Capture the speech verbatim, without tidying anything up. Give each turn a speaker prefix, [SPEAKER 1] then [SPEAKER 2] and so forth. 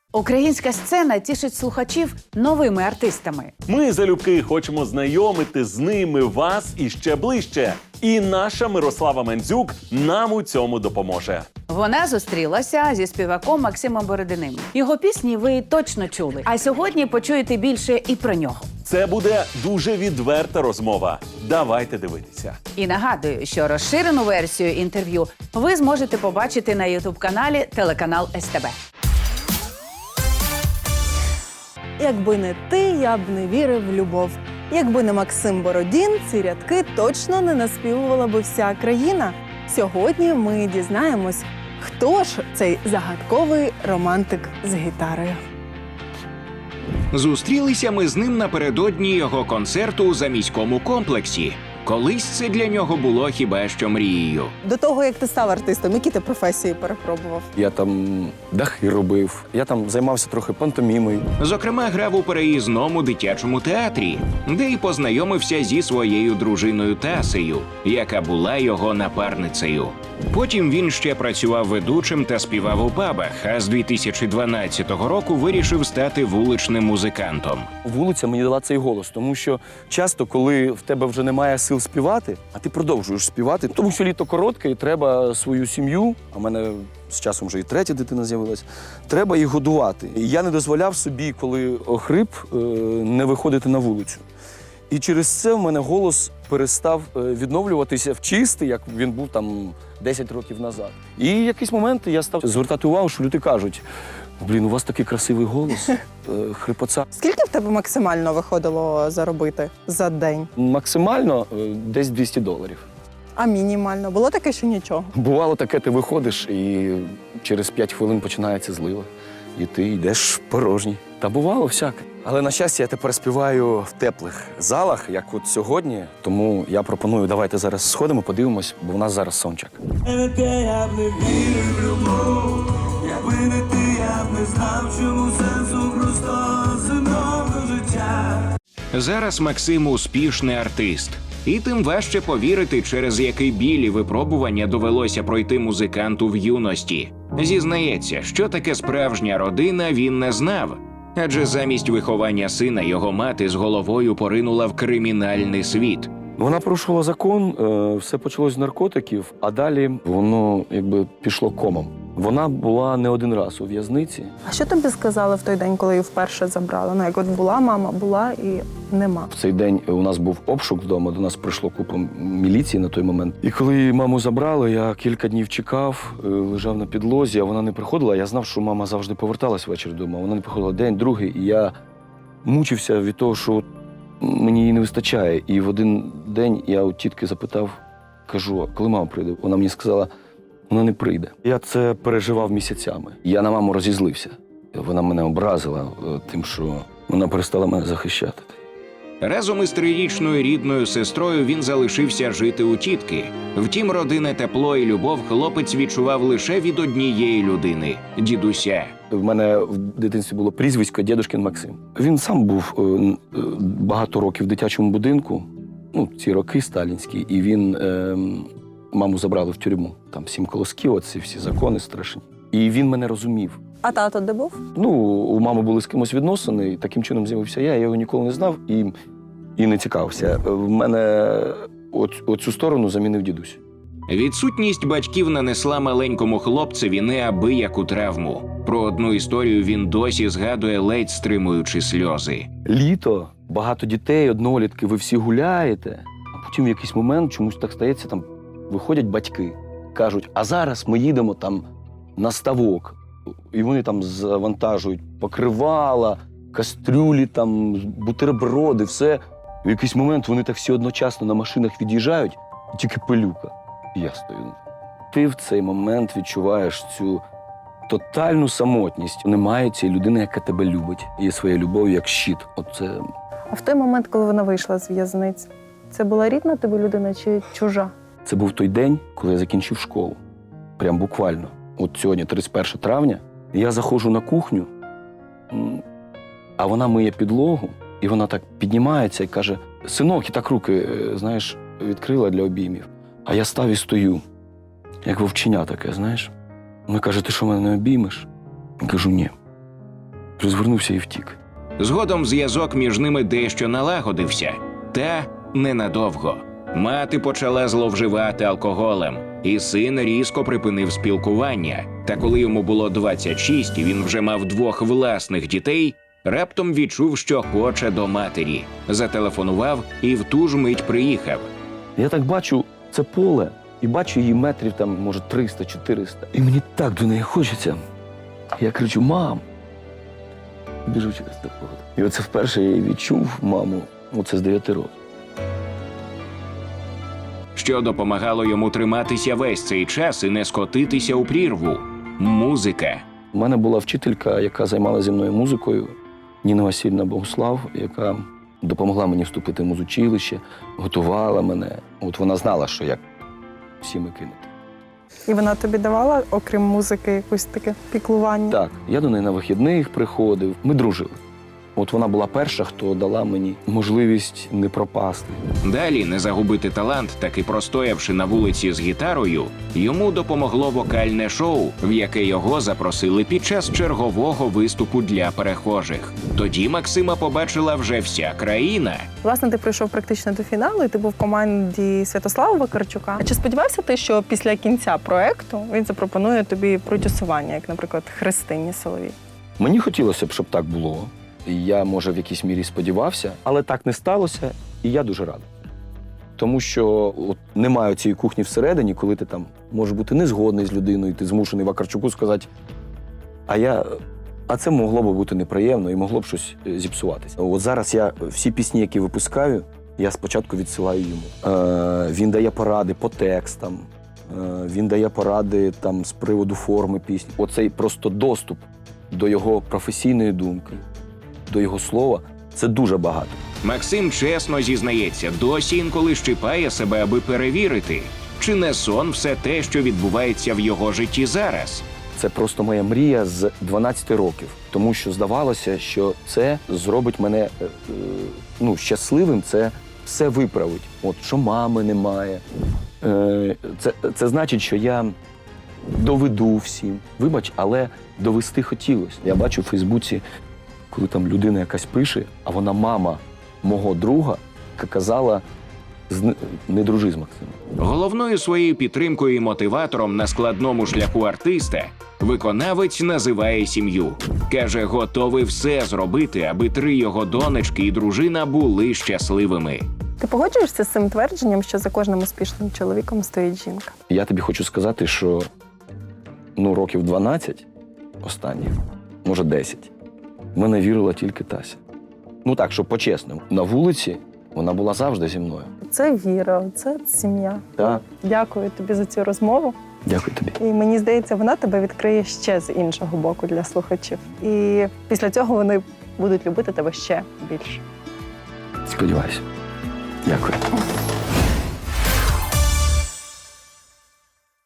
[SPEAKER 1] Українська сцена тішить слухачів новими артистами.
[SPEAKER 2] Ми залюбки хочемо знайомити з ними вас іще ближче. І наша Мирослава Мандзюк нам у цьому допоможе.
[SPEAKER 1] Вона зустрілася зі співаком Максимом Бородиним. Його пісні ви точно чули. А сьогодні почуєте більше і про нього.
[SPEAKER 2] Це буде дуже відверта розмова. Давайте дивитися.
[SPEAKER 1] І нагадую, що розширену версію інтерв'ю ви зможете побачити на ютуб-каналі телеканал ес те бе.
[SPEAKER 3] Якби не ти, я б не вірив в любов. Якби не Максим Бородін, ці рядки точно не наспівувала би вся країна. Сьогодні ми дізнаємось, хто ж цей загадковий романтик з гітарою.
[SPEAKER 4] Зустрілися ми з ним напередодні його концерту у заміському комплексі. Колись це для нього було хіба що мрією.
[SPEAKER 3] До того, як ти став артистом, які ти професії перепробував?
[SPEAKER 5] Я там дахи робив, я там займався трохи пантомімою.
[SPEAKER 4] Зокрема, грав у переїзному дитячому театрі, де й познайомився зі своєю дружиною Тасею, яка була його напарницею. Потім він ще працював ведучим та співав у пабах, а з дві тисячі дванадцятого року вирішив стати вуличним музикантом.
[SPEAKER 5] Вулиця мені дала цей голос, тому що часто, коли в тебе вже немає сил співати, а ти продовжуєш співати, тому що літо коротке і треба свою сім'ю, а в мене з часом вже і третя дитина з'явилась, треба їх годувати. І я не дозволяв собі, коли охрип, не виходити на вулицю. І через це в мене голос перестав відновлюватися в чистий, як він був там десять років назад. І в якийсь момент я став звертати увагу, що люди кажуть: блін, у вас такий красивий голос, хрипоца.
[SPEAKER 3] Скільки в тебе максимально виходило заробити за день?
[SPEAKER 5] Максимально десь двісті доларів.
[SPEAKER 3] А мінімально? Було таке, що нічого?
[SPEAKER 5] Бувало таке, ти виходиш і через п'ять хвилин починається злива. І ти йдеш порожній. Та бувало всяке. Але, на щастя, я тепер співаю в теплих залах, як от сьогодні. Тому я пропоную, давайте зараз сходимо, подивимось, бо в нас зараз сончак.
[SPEAKER 6] Я б не вірив в любов, якби не ти, я б не знав, чому сенсу просто земного життя.
[SPEAKER 4] Зараз Максим успішний артист. І тим важче повірити, через який біль і випробування довелося пройти музиканту в юності. Зізнається, що таке справжня родина, він не знав. Адже замість виховання сина його мати з головою поринула в кримінальний світ.
[SPEAKER 5] Вона порушила закон, все почалось з наркотиків, а далі воно якби пішло комом. Вона була не один раз у в'язниці.
[SPEAKER 3] А що тобі сказали в той день, коли її вперше забрали? Ну, як от була мама, була і нема.
[SPEAKER 5] В цей день у нас був обшук вдома, до нас прийшло купа міліції на той момент. І коли маму забрали, я кілька днів чекав, лежав на підлозі, а вона не приходила. Я знав, що мама завжди поверталась ввечері вдома. Вона не приходила день, другий, і я мучився від того, що мені її не вистачає. І в один день я у тітки запитав, кажу: коли мама прийде? Вона мені сказала: вона не прийде. Я це переживав місяцями. Я на маму розізлився. Вона мене образила тим, що вона перестала мене захищати.
[SPEAKER 4] Разом із трирічною рідною сестрою він залишився жити у тітки. Втім, родинне тепло і любов хлопець відчував лише від однієї людини – дідуся.
[SPEAKER 5] В мене в дитинстві було прізвисько Дєдушкін Максим. Він сам був багато років в дитячому будинку, ну, ці роки сталінські, і він, е, маму забрали в тюрму. Там сім колосків, оці всі закони страшні. І він мене розумів.
[SPEAKER 3] А тато де був?
[SPEAKER 5] Ну, у мами були з кимось відносини, і таким чином з'явився я, я його ніколи не знав і, і не цікавився. В мене оц, оцю сторону замінив дідусь.
[SPEAKER 4] Відсутність батьків нанесла маленькому хлопцеві неабияку травму. Про одну історію він досі згадує, ледь стримуючи сльози.
[SPEAKER 5] Літо, багато дітей, однолітки, ви всі гуляєте, а потім в якийсь момент чомусь так стається, там виходять батьки, кажуть: а зараз ми їдемо там на ставок. І вони там завантажують покривала, кастрюлі, там, бутерброди, все. В якийсь момент вони так всі одночасно на машинах від'їжджають, і тільки пилюка. І я стою. Ти в цей момент відчуваєш цю тотальну самотність. Немає цієї людини, яка тебе любить. Є своя любов як щит. Оце...
[SPEAKER 3] А в той момент, коли вона вийшла з в'язниці, це була рідна тобі людина чи чужа?
[SPEAKER 5] Це був той день, коли я закінчив школу. Прям буквально. От сьогодні, тридцять перше травня, я заходжу на кухню, а вона миє підлогу, і вона так піднімається і каже: синок, і так руки, знаєш, відкрила для обіймів. А я став і стою, як вовченя таке, знаєш. Вона каже: ти що, мене не обіймеш? Я кажу: ні. Розвернувся і втік.
[SPEAKER 4] Згодом зв'язок між ними дещо налагодився, та ненадовго. Мати почала зловживати алкоголем, і син різко припинив спілкування. Та коли йому було двадцять шість, і він вже мав двох власних дітей, раптом відчув, що хоче до матері. Зателефонував і в ту ж мить приїхав.
[SPEAKER 5] Я так бачу це поле і бачу її метрів там, може, триста-чотириста. І мені так до неї хочеться. Я кричу: мам! Біжу через те поле. І оце вперше я її відчув, маму, оце з дев'яти років.
[SPEAKER 4] Що допомагало йому триматися весь цей час і не скотитися у прірву – музика.
[SPEAKER 5] У мене була вчителька, яка займалася зі мною музикою, Ніна Васильівна Богуслав, яка допомогла мені вступити в музучилище, готувала мене. От вона знала, що як всіми кинути.
[SPEAKER 3] І вона тобі давала, окрім музики, якусь таке піклування?
[SPEAKER 5] Так, я до неї на вихідних приходив, ми дружили. От вона була перша, хто дала мені можливість не пропасти.
[SPEAKER 4] Далі не загубити талант, таки простоявши на вулиці з гітарою, йому допомогло вокальне шоу, в яке його запросили під час чергового виступу для перехожих. Тоді Максима побачила вже вся країна.
[SPEAKER 3] Власне, ти прийшов практично до фіналу, і ти був в команді Святослава Вакарчука. А чи сподівався ти, що після кінця проекту він запропонує тобі продюсування, як, наприклад, Христині Соловій?
[SPEAKER 5] Мені хотілося б, щоб так було. Я, може, в якійсь мірі сподівався, але так не сталося, і я дуже радий. Тому що от немає цієї кухні всередині, коли ти там можеш бути незгодний з людиною, ти змушений Вакарчуку сказати, а я, а це могло б бути неприємно і могло б щось зіпсуватися. От зараз я всі пісні, які випускаю, я спочатку відсилаю йому. Е, він дає поради по текстам, е, він дає поради там з приводу форми пісні. Оцей просто доступ до його професійної думки, до його слова – це дуже багато.
[SPEAKER 4] Максим чесно зізнається, досі інколи щипає себе, аби перевірити, чи не сон все те, що відбувається в його житті зараз.
[SPEAKER 5] Це просто моя мрія з дванадцяти років, тому що здавалося, що це зробить мене е, е, ну, щасливим, це все виправить. От, що мами немає. Е, це, це значить, що я доведу всім. Вибач, але довести хотілося. Я бачу в Фейсбуці, коли там людина якась пише, а вона мама мого друга, яка казала, не дружи з Максимом.
[SPEAKER 4] Головною своєю підтримкою і мотиватором на складному шляху артиста виконавець називає сім'ю. Каже, готовий все зробити, аби три його донечки і дружина були щасливими.
[SPEAKER 3] Ти погоджуєшся з цим твердженням, що за кожним успішним чоловіком стоїть жінка?
[SPEAKER 5] Я тобі хочу сказати, що ну, років дванадцять останніх, може десять, в мене вірила тільки Тася. Ну так, щоб по-чесному. На вулиці вона була завжди зі мною.
[SPEAKER 3] Це віра, це сім'я.
[SPEAKER 5] Так.
[SPEAKER 3] Дякую тобі за цю розмову.
[SPEAKER 5] Дякую тобі.
[SPEAKER 3] І мені здається, вона тебе відкриє ще з іншого боку для слухачів. І після цього вони будуть любити тебе ще більше.
[SPEAKER 5] Сподіваюся. Дякую.